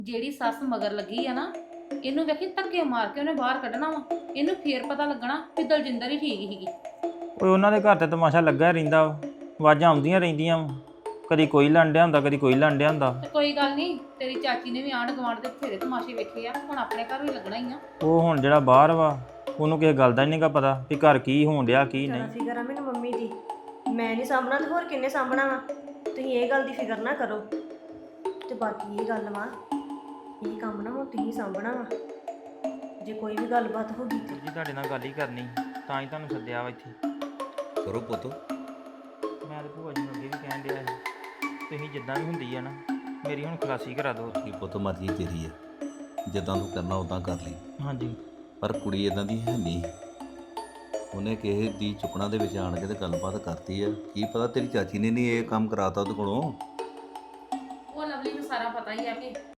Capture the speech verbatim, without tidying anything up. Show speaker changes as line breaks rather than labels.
ਜਿਹੜੀ ਸੱਸ ਮਗਰ ਲੱਗੀ ਆ ਨਾ, ਇਹਨੂੰ ਵੇਖੀ ਧੱਕੇ ਮਾਰ ਕੇ ਉਹਨੇ ਬਾਹਰ ਕੱਢਣਾ ਵਾ। ਇਹਨੂੰ ਫੇਰ ਪਤਾ ਲੱਗਣਾ ਕਿ ਦਲਜਿੰਦਰ ਹੀ ਠੀਕ ਸੀਗੀ।
ਓਏ ਉਹਨਾਂ ਦੇ ਘਰ ਤੇ ਤਮਾਸ਼ਾ ਲੱਗਾ ਹੀ ਰਹਿੰਦਾ ਵਾ, ਆਵਾਜ਼ਾਂ ਆਉਂਦੀਆਂ ਰਹਿੰਦੀਆਂ ਵਾ, ਕਦੀ ਕੋਈ ਲੰਡਿਆ ਹੁੰਦਾ ਕਦੀ ਕੋਈ ਲੰਡਿਆ ਹੁੰਦਾ।
ਤੇ ਕੋਈ ਗੱਲ ਨਹੀਂ, ਤੇਰੀ ਚਾਚੀ ਨੇ ਵੀ ਆਂਢ ਗੁਆਂਢ ਦੇ ਬਥੇਰੇ ਤਮਾਸ਼ੇ ਵੇਖੇ ਆ, ਹੁਣ ਆਪਣੇ ਘਰ ਵੀ ਲੱਗਣਾ ਹੀ ਆ।
ਉਹ ਹੁਣ ਜਿਹੜਾ ਬਾਹਰ ਵਾ ਉਹਨੂੰ ਕਿਸੇ ਗੱਲ ਦਾ ਹੀ ਨਹੀਂਗਾ ਪਤਾ ਵੀ ਘਰ ਕੀ ਹੋਣ ਡਿਆ ਕੀ
ਜ਼ਿਆਦਾ
ਨਹੀਂ।
ਫਿਕਰ ਆ ਮੈਨੂੰ ਮੰਮੀ ਦੀ, ਮੈਂ ਨਹੀਂ ਸਾਂਭਣਾ ਤੇ ਹੋਰ ਕਿੰਨੇ ਸਾਂਭਣਾ ਵਾ। ਤੁਸੀਂ ਇਹ ਗੱਲ ਦੀ ਫਿਕਰ ਨਾ ਕਰੋ। ਤੇ ਬਾਕੀ ਇਹ ਗੱਲ ਵਾ, ਇਹ ਕੰਮ ਨਾ ਹੁਣ ਤੁਸੀਂ ਸਾਂਭਣਾ ਵਾ। ਜੇ ਕੋਈ ਵੀ ਗੱਲਬਾਤ ਹੋ ਗਈ ਤੇ
ਜੀ ਤੁਹਾਡੇ ਨਾਲ ਗੱਲ ਹੀ ਕਰਨੀ, ਤਾਂ ਹੀ ਤੁਹਾਨੂੰ ਸੱਦਿਆ ਵਾ ਇੱਥੇ।
ਕਰੋ ਪੁੱਤ।
ਮੈਂ ਤੇ ਭੂਆ ਜੀ ਨੂੰ ਅੱਗੇ ਵੀ ਕਹਿਣ ਡਿਆ ਸੀ, ਤੁਸੀਂ ਜਿੱਦਾਂ ਵੀ ਹੁੰਦੀ ਆ ਨਾ ਮੇਰੀ ਹੁਣ ਖਲਾਸੀ ਕਰਾ ਦਿਓ।
ਕੀ ਪੁੱਤ ਮਰਜ਼ੀ ਤੇਰੀ ਹੈ, ਜਿੱਦਾਂ ਤੂੰ ਕਰਨਾ ਉਦਾਂ ਕਰ ਲਈ।
ਹਾਂਜੀ।
ਪਰ ਕੁੜੀ ਇਦਾਂ ਦੀ ਹੈ ਨਹੀਂ, ਉਹਨੇ ਕਿਸੇ ਦੀ ਚੁੱਕਣਾ ਦੇ ਵਿੱਚ ਆਣ ਕੇ ਤੇ ਗੱਲਬਾਤ ਕਰਤੀ ਆ। ਕੀ ਪਤਾ ਤੇਰੀ ਚਾਚੀ ਨੇ ਨਹੀਂ ਇਹ ਕੰਮ ਕਰਾਤਾ ਉਹਦੇ ਕੋਲੋਂ।
ਉਹ ਲਵਲੀ ਨੂੰ ਸਾਰਾ ਪਤਾ ਹੀ ਆ ਕਿ